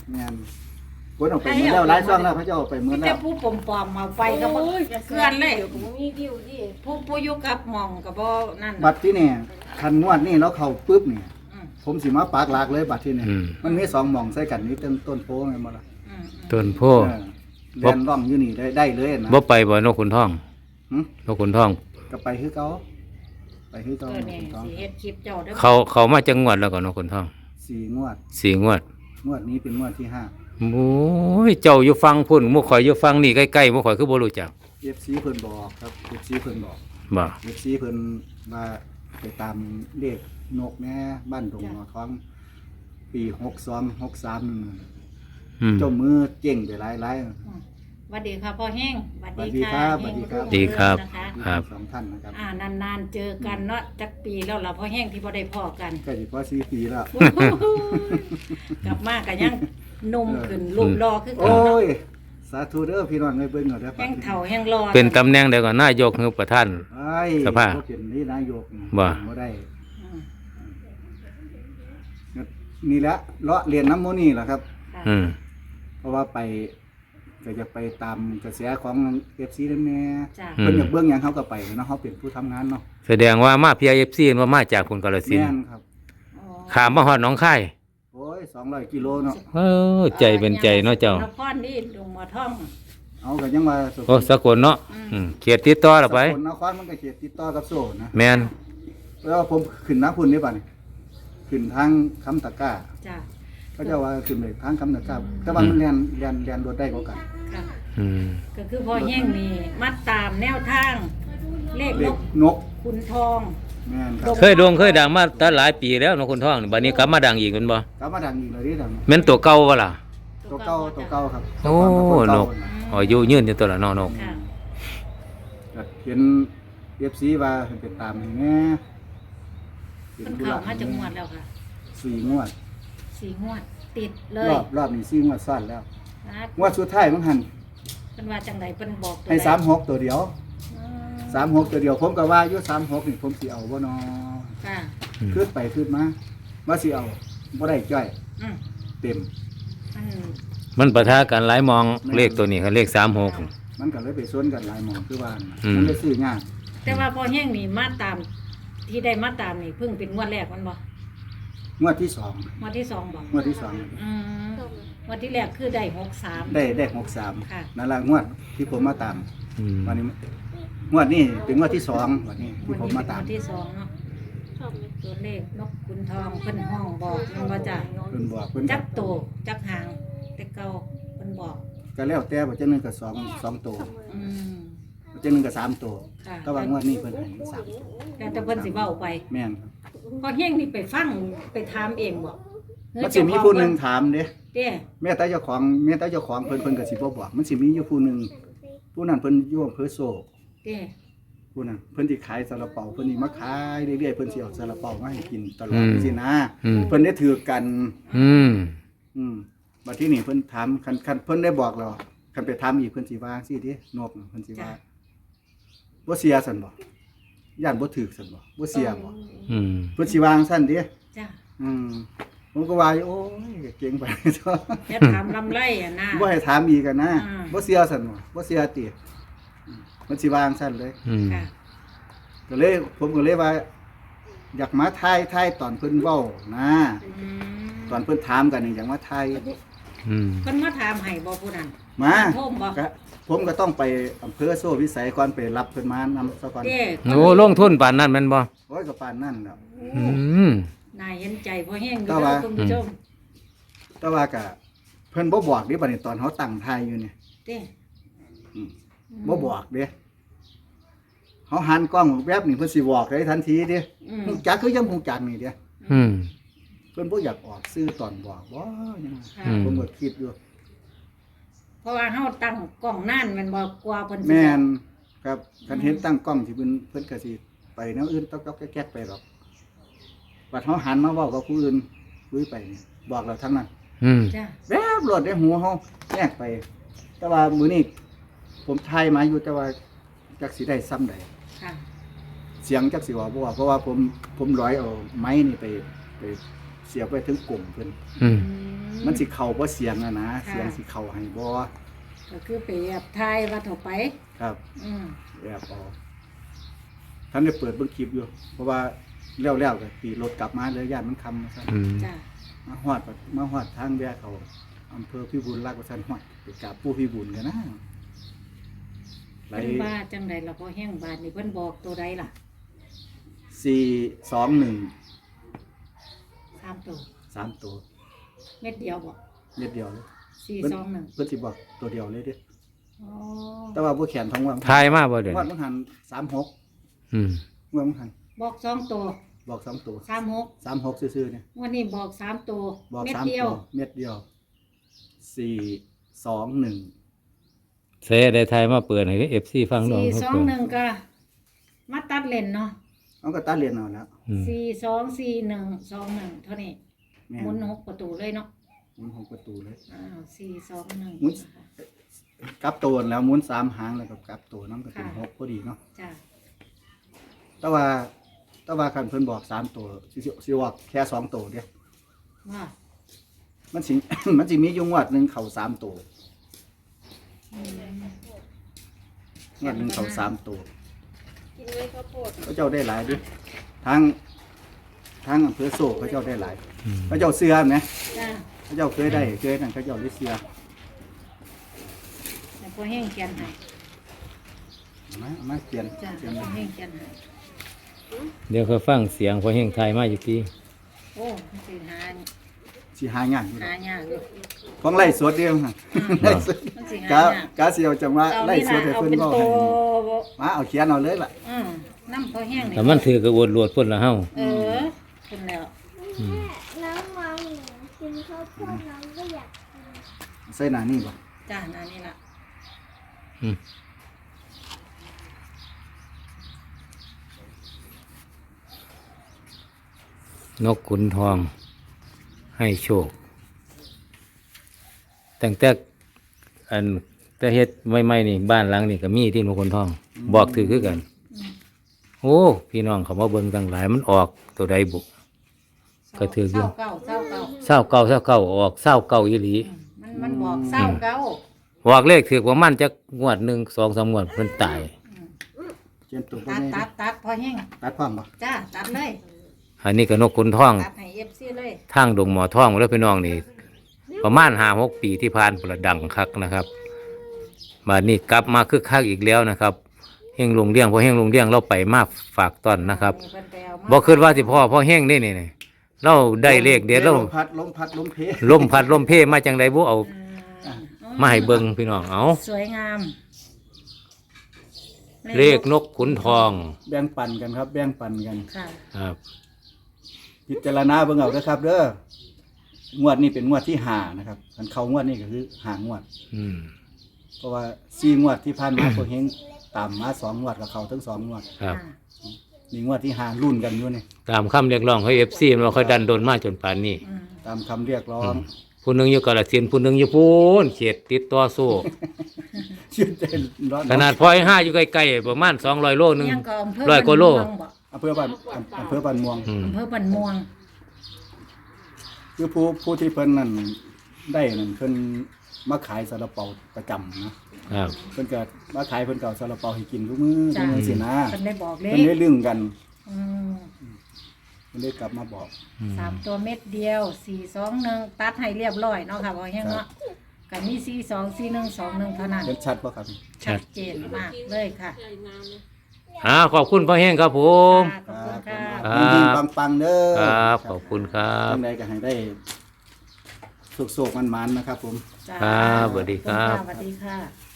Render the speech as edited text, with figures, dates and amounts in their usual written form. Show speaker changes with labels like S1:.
S1: แม่นคนออกไปเมื่อแล้วหลายช่องแล้วเขาจะออกไปเมื่อ
S2: มี
S1: แล้
S2: แต่
S1: ว
S2: ผู้ปลอมๆมาไปก็บ่เกลื่อนเลย
S3: มีวิวดิ
S2: ผู้อยู่กับหม่องก็บ่นั่น
S1: บัตรที่นี่คันงวดนี่แล้วเข้าปึ๊บนี่
S2: อืม
S1: ผมสิมาปากหลากเลยบัตรที่นี่
S4: อืม
S1: มันมี2หม่องใส่กันนี่ต้นโพแม่นบ่ล่ะ
S2: อืม
S4: ต้นโพ
S1: เออเรียนร่องอยู่นี่ได้เลยนะ
S4: บ่ไปบ่นกขุนทอง
S1: หึ
S4: นกขุนทอง
S1: ก็ไปคือเก่าไปคือเก่า
S2: นี่สิเฮ็ดคลิปเจ้าเด้อ
S4: เขามาจังหวัดแล้วก็นกขุนทอง
S1: 4งวด
S4: 4 งวด
S1: งวดนี้เป็นงวดที่5
S4: โอ้ยเจ้าอยู่ฟังพุ่นหมู่ข่อยอยู่ฟังนี่ใกล้ๆหมู่ข่อยคือบ่รู้จัก
S1: FC เพิ่นบอกครับ FC เพิ่นบอก
S4: บ่
S1: FC เพิ่นมาไปตามเลขนกแน่บ้านดงหัวทองปี62 63นั่นน่ะ
S4: อืม
S1: เจ้ามือเจ๊งไปหลาย
S2: สวัสดีค่ะพ่อแห้งสวัสดี
S1: สวัสดีครับ
S2: เฮง
S4: ดีครับ
S2: นะคะ
S1: ๆ
S4: ครับ
S1: สองท่านนะครับ
S2: นานๆเจอกันเนาะจักปีแล้วล่ะพ่อแห้งที่บ่ได้พ้อกัน
S1: ใกล้สิพอ4ปีแล้ว
S2: กลับมาก็ยังหนุ่มขึ้นรูปรอคือ
S1: โอ้
S2: เก่าเนาะ
S1: ย สาธุเด้อพี่น้องให้เบิ่งเอาเด้อ
S2: แห้งเฒ่าแห้งรอ
S4: เป็นตำแหน่งใดก่อนนายกหรือประธาน
S1: ไอ้
S4: สภา
S1: บ่เป็นนี่นายก
S4: บ่
S1: บ่ได้
S2: อืม
S1: นี่แหละเลาะเรียนน้ำโมนี่แหละครับ
S2: ค่ะ
S4: อืม
S1: เพราะว่าไปก็จะไปตามกระแสของ FC นั่นแน่
S2: จ้ะ
S4: อืม
S1: เพิ่นอยากเบิ่งหยังเขาก็ไปเนาะเขาเป็นผู้ทำงานเนาะ
S4: แสดงว่ามา PIFC ว่ามาจากคุณกาฬสิน
S1: แม่
S4: ธุ์
S1: นครับ
S2: อ๋อ
S4: ขามมาฮอดหนองคาย
S1: โอ้ย200กิโลเนาะ
S4: เออใจเป็นใจเนาะเจ้า
S2: นครนี่ดงหมอท่อง
S1: เอาก็ยังว่าส
S4: โอ้สกลเนาะอืมเขตติดต่อละไป
S1: สกลนครมันก็เขตติดต่อกับโซ่นะ
S4: แม่น
S1: แล้วผมขึ้นน้ำพุ่นนี่ป่ะนี่ขึ้นทางคำตะกร้า
S2: จ้ะ
S1: เขาเจะว่าขึ้นไปทางคำตะกร้าแต่ว่ามันเรียนรถได้กว่ากัน
S2: ค่ะ
S4: อืม
S2: ก็คือพ่อแห้งนี่มัดตามแนวทาง เลข
S1: เด็
S2: น
S1: ก
S2: ก
S1: นก
S2: ขุนทอง
S1: แม่นครับ
S4: เคยโด่งเคยดังมาตั้งหลายปีแล้วนกขุนทองนี่บัดนี้กลับมาดังอีกแม่นบ่
S1: กลับมาดังอีกเลยที่ดัง
S4: แม่นตัวเก่าบ่ล่ะ
S1: ตัวเก่าครับ
S4: โอ้
S1: ตัวเก่าน
S4: กอายุยืนอยู่ตัวละเนาะนก
S2: ค่ะ
S1: ก็เห็นเอฟซีว่าเพิ่นเป็นตามให้แม่ป็
S2: เพิ่น
S1: ธุ
S2: เข้า
S1: ระ
S2: มาจากงวดแล้วค่ะ
S1: 4 งวด
S2: 4 งวด ติดเล
S1: ร
S2: ย
S1: อบนี้4 งวดซ้อนแล้ว
S2: นะ
S1: งวดสุดท้ายมันหัน
S2: เพิ่นว่าจังไดเพิ่นบอกตัว
S1: ให้
S2: ใด
S1: 36ตัวเดียว
S2: อืม
S1: 36ตัวเดียวผมก็ว่าอยู่36นี่ผมสิเอาบ่นอ
S2: ค่ะ
S1: ขึ้นไปขึ้นมาว่าสิเอาบ่ได้จ้อย
S2: อืม
S1: เต็ม
S2: มัน
S4: มันปะทะกันหลายมองเลขตัวนี้เขาเลข36
S1: มันก็เลยไปสวนกันหลายหมองคือว่าน่ะ
S4: อืม
S1: มันเลยซื้อยาก
S2: แต่ว่าพอแห้งนี่มาตาม ที่ได้มาตามนี่เพิ่งเป็นงวดแรกมันบ่
S1: งวดที่สอง
S2: งวดที่สองบ่
S1: งวดที่สอง
S2: อืมงวดที่แรกคือได้63
S1: ได้
S2: ค่ะ
S1: 63นั่นละงวดที่ผมมาตาม
S4: อืม
S1: วันนี้งวดนี้เป็นงวดที่สองวันนี้
S2: ง
S1: ที่
S2: วด
S1: ผม
S2: นี้
S1: มา
S2: เป็น
S1: ตาง ม
S2: วดที่สองเนาะ
S3: ชอบไหม
S2: ตัวเลขนกขุนทองเพิ่นห้องบอกมันว่าจ้ะ
S1: เพิ่นบอกเพิ่น
S2: จักโตจักหางแต่เก่าเพิ่นบอก
S1: ก็แล้วแต่ว่าจังหนึงก็สองตัว
S2: อืม
S1: จังหนึงก็3ตัว
S2: ค่ะ
S1: แต่ว่างวดนี้เพิ่นให้3ตัว
S2: แล้วแต่เพิ่นสิเว้าไป
S1: แม่นครับ
S2: พอเฮงนี่ไปฟังไปถามเองบ่
S1: มันสิมีผู้หนึงถามเด้
S2: เด้
S1: แม่แต่เจ้าของเพิ่นก็สิบ่บอกมันสิมีอยู่ผู้หนึงผู้นั้นเพิ่นอยู่อำเภอโซ
S2: เด้
S1: ผู้นั้นเพิ่นสิขายซาลาเปาเพิ่นสิมาขายเรื่อยๆเพิ่นสิเอาซาลาเปามาให้กินตลอดสินะ
S4: อืม
S1: เพิ่นได้ถือกัน
S4: อืม
S1: บัดที่นี่เพิ่นถามคันเพิ่นได้บอกเราคันไปถามอีกเพิ่นสิว่าสิตินกน่ะเพิ่นสิว่าบ่เสียซั่นบ่ย่านบ่ถูกซั่นบ่เสียบ่
S4: อืม
S1: เพิ่นสิว่าจั่งซั่นติ
S2: จ้ะ
S1: ผมก็ว่าอยู่โอ้ยเก่งไป
S2: อย่าถามลำไรอ่ะนะ
S1: บ่ให้ถามอีกกันนะ
S2: อืม
S1: บ่เสียซั่นบ่เสียติมันสิว่าจั่งซั่นเลย
S4: อืม
S2: ค่ะ
S1: ก็เลยผมก็เลยว่า อยากมาทายตอนเพิ่นเว้านะ
S2: อืม
S1: ตอนเพิ่นถามกันนี่อยากมาทาย
S4: อืม
S2: เพิ่นมาถามให้บ่ผู้นั้น
S1: มา
S2: โทมบ่
S1: ก็ผมก็ต้องไปอำเภอโซ่วิสัยก่อนไปรับเพิ่นมานำซะก่อน
S2: เด้
S4: โอ้ลงทุนปานนั้นแม่นบ่
S1: โอ้ยก็ปานนั้นแล้ว
S4: อืม
S2: นายเห็นใจพอแห้งอยู่
S1: แต่
S2: เด้
S1: ว่า
S2: อคุณผู้ชม
S1: แต่ว่าก็เพิ่นบ่บอกเด้บัดนี้ตอนเฮาตั้งทายอยู่นี่
S2: เด้
S1: อืม บ่บอกเด้เฮาหันกล้องแวบนี่เพิ่นสิบอกเลยทันทีเด้
S2: อืม
S1: ฮู้จักคือยังฮู้จักนี่เด้
S4: อืม
S1: เพิ่นบ่อยากออกซื้อตอนบอกบ่ยัง
S2: ค่ะ
S4: อืม
S1: ผมก็คิดอยู่
S2: เพราะว่าเฮาตั้งกล้องนานแมันบ่กว่าเพิ่นสิ
S1: แม่นครับคันเห็นตั้งกล้องที่เพิ่นก็สิไปแนวอื่นต๊อกๆแก๊กๆไปหรอกบัดเฮาหันมาเว้ากับผู้อื่นคุยไปนี่บอกเราทั้งนั้น
S4: อืม
S2: จ้ะ
S1: แวบรถได้หัวเฮาแยกไป แต่ว่ามื้อนี้ผมทายมาอยู่แต่ว่าจักสิได้ซ้ำใด
S2: ค่ะ
S1: เสียงจักสิว่าบ่ว่าเพราะว่าผมร้อยเอาไม้นี่ไปเสียบไว้ถึงกลุ่มเพิ่น
S4: อืม
S2: อืม
S1: มันสิเข้าบ่เสียงอะนะ
S2: ค่ะ
S1: เสียงสิเข้าให้บ่
S2: ก็คือไปแอบทายว่าเถาไป
S1: ครับ
S2: อืม
S1: แอบเออกท่านได้เปิดเบิ่งคลิปอยู่ เพราะว่าแล้วก็ขี่รถกลับมาเลยย่านมันค่ำซั่น
S4: อืม
S2: จ้ะ
S1: มาฮอดทางแวะเขาอำเภอพิบูลรักษ์ว่าซั่นฮอดไปกราบปู่พิบูลกันนะไหล
S2: เพิ่นว่าจังไดล่ะพอแห้งบาดนี่เพิ่นบอกตัวใดล่ะ
S1: 421
S2: 3ตัว
S1: 3ตัว
S2: เม็ดเดียวบ่
S1: เม็ดเดียวเลย
S2: 421
S1: เพิ่นสิบอกตัวเดียวเลยเด้
S2: อ๋อ
S1: แต่ว่าบ่แขนท้องว่าง
S4: ทายมาบ่เดี๋ยว
S1: วัด
S4: นี้
S1: มันหัน36
S4: อืม
S1: ว่ามันหัน
S2: บอก2ตัว
S1: บอก2ตัว
S2: 36
S1: 36ซื่อๆเนี่ย
S2: วันนี้บอก3ตัว
S1: บอก
S2: เม็ด
S1: 3
S2: เดีย
S1: ตัว วเม็ดเดียว421
S4: เสได้ทายมาเปิดให้ FC ฟังดอกเขาเปิด
S2: 421ก็มาตัดเล่นเนาะ
S1: เอาก็ตัดเรียนเอาแล้ว
S4: อืม
S2: 424121เท่านี้
S1: แม่
S2: หมุน6ประตูเลยเนาะ
S1: หมุน6ประตูเลย
S2: อ้าว
S1: หมุน
S2: 421นะคะ
S1: กลับตัวแล้วหมุน3หางแล้วก็กลับตัวน้ำก็เป็น
S2: ค่ะ
S1: 6พอดีเนาะ
S2: จ้ะ
S1: แต่ว่าคันเพิ่นบอก3ตัวสิว่าแค่2ตัวเด้
S2: ว่า
S1: มันสิ มันสิมีอยู่งวดหนึงเข้า3ตัว
S2: อืม
S1: งวดหนึงเข้า3ตัว
S3: กินไว้ข้าวโพด
S1: เขาเจ้าได้หลายดิทางอำเภอโซ่เขาเจ้าได้หลาย
S4: อืม
S1: เขาเจ้าเสือไหม
S2: จ้ะ
S1: เขาเจ้าเคยได้เคยนั่นเขาเจ้าได้เสือ
S2: แต่พอแห้งเขียนให้
S1: เอามาเขียน
S2: จ้ะ
S1: เขียน
S2: พอแห้งเขียนให้
S4: เดี๋ยวเขาฟังเสียงพอแห้งทายมาอยู่ที่
S2: โอ้มันสิหา
S1: สิหางานอยู่
S2: หายากอยู่
S1: ของไล่สวดเดียวค่ะไล่สวด
S2: มันสิ
S1: กะ
S2: หายาก
S1: กะเสียวจังว่า
S2: เอา
S1: ไล่
S2: นี่
S1: สว
S2: ล่ะ
S1: ดให้
S2: เอา
S1: เพิ่น
S2: เป็น
S1: เว้า
S2: โต
S1: ให้มาเอาเขียนเอาเลยล่ะ
S2: น้ำพอแห้งนี่
S4: แต่มันถือกับอวดรวดพุ่นละเฮา
S2: เออขึ้นแล้ว
S4: อืม
S3: น้องมองหนูกินข้าวโพดน้องก็อยากกิน
S1: ใส่หน้านี่บ่
S2: จ้ะนั่นนี่ล่ะ
S4: อืมนกขุนทอง ให้โชคตั้งแต่อันแต่เฮ็ดใหม่ๆนี่บ้านหลังนี่ก็มีที่นกขุนทอง บอกถือคือกัน โอ้พี่น้องเขามาเบิ่งตั้งหลายมันออกตัวใดบุ ก็ถืออยู่
S2: เศร้าเก่า
S4: เศร้าเก่าออกเศร้าเก่าอีหลี
S2: มันบอกเศร้าเก่า
S4: บอกเลขถือว่ามันจะงวดหนึ่งสองสามงวดเพิ่นตาย
S1: เขียนตัวบ่
S2: ตัด
S1: แม่
S2: ตัดพอแห้ง
S1: ตัดพร้อมบ่
S2: จ้ะตัดเลย
S4: อันนี้ก็นกขุนทอง
S2: ตัดให้ FC เลย
S4: ทางดงหมอทองแล้วพี่น้องนี่ ประมาณ5-6 ปีที่ผ่านประดังคักนะครับมานี่กลับมาคึกคักอีกแล้วนะครับเฮงลงเลี้ยงพอเฮงลงเลี้ยงเราไปมาฝากต้อนนะครับ
S2: เพิ่นไปเอามา
S4: บ่คิดว่าสิพ่อเฮงนี่เราได้เลขเด็ดเรา
S1: ลมพัดลมเพ
S4: ลมพัดลมเพมาจังไดบ่เอามาให้เบิ่งพี่น้องเอา
S2: สวยงาม
S4: เลขนกขุนทอง
S1: แบ่งปันกันครับ แบ่งปันกัน
S2: ค่ะ
S4: ครับ
S1: พิจารณาเบิ่งเอาเด้อครับเด้องวดนี้เป็นงวดที่5นะครับคันเข้างวดนี้ก็คือ5งวด
S4: อืม
S1: เพราะว่า4งวดที่ผ่านมาพวกเฮงตามมา2งวดกับเขาทั้ง2งวด
S4: ครับ
S1: นี่งวดที่5รุ่นกันอยู่นี่
S4: ตามคำเรียกร้องของ FC มันบ่ค่อยดันโดนมาจนป่านนี้
S2: อืม
S1: ตามคำเรียกร้อง
S4: ผู้หนึงอยู่กาฬสินธุ์ผู้หนึงอยู่พูนเขตติดต่อสู้
S1: ชื่นใจร้อน
S4: ขนาดพลอย5อยู่ใกล้ๆประมาณ200 โลนึง
S2: ยังก็อำเภอ
S4: ร้อยกว่าโล
S2: บ้นม่วงบ่
S1: อำเภอบ้านม่วง
S4: อืม
S2: อำเภอบ้านม่วง
S1: คือผู้ที่เพิ่นนั่นได้นั่นเพิ่นมาขายซาลาเปาประจำนะครับ เพิ่นก็มาขายเพิ่นก็เอาซาลาเปาให้กินทุกมื้อทุกมื้อสินะ
S2: เพิ่นได้บอกเล
S1: เพิ่นได้
S2: ข
S1: เรื่องกัน
S2: อืม
S1: เพิ่นได้กลับมาบอก
S2: สามตัวเม็ดเดียว421ตัดให้เรียบร้อยเนาะค่ะบ่แห้งเนาะก็มี424121เท่านั้น
S1: เห็นชัดบ่ครับ
S4: ชัด
S2: เจนมากเลยค่ะ
S3: ใหญ่งามเลย
S4: ขอบคุณพ่อแห้งครับผม
S2: ค่ะขอบคุณค่ะ
S4: ครับ
S1: ดีๆปังๆเด้อ
S4: ครับ ขอบคุณครับ
S1: จังใดก็ให้ได้สุขๆมันๆนะครับผม
S2: จ้า
S4: ครับสวัสดีครับ
S2: สวัสดีค่ะ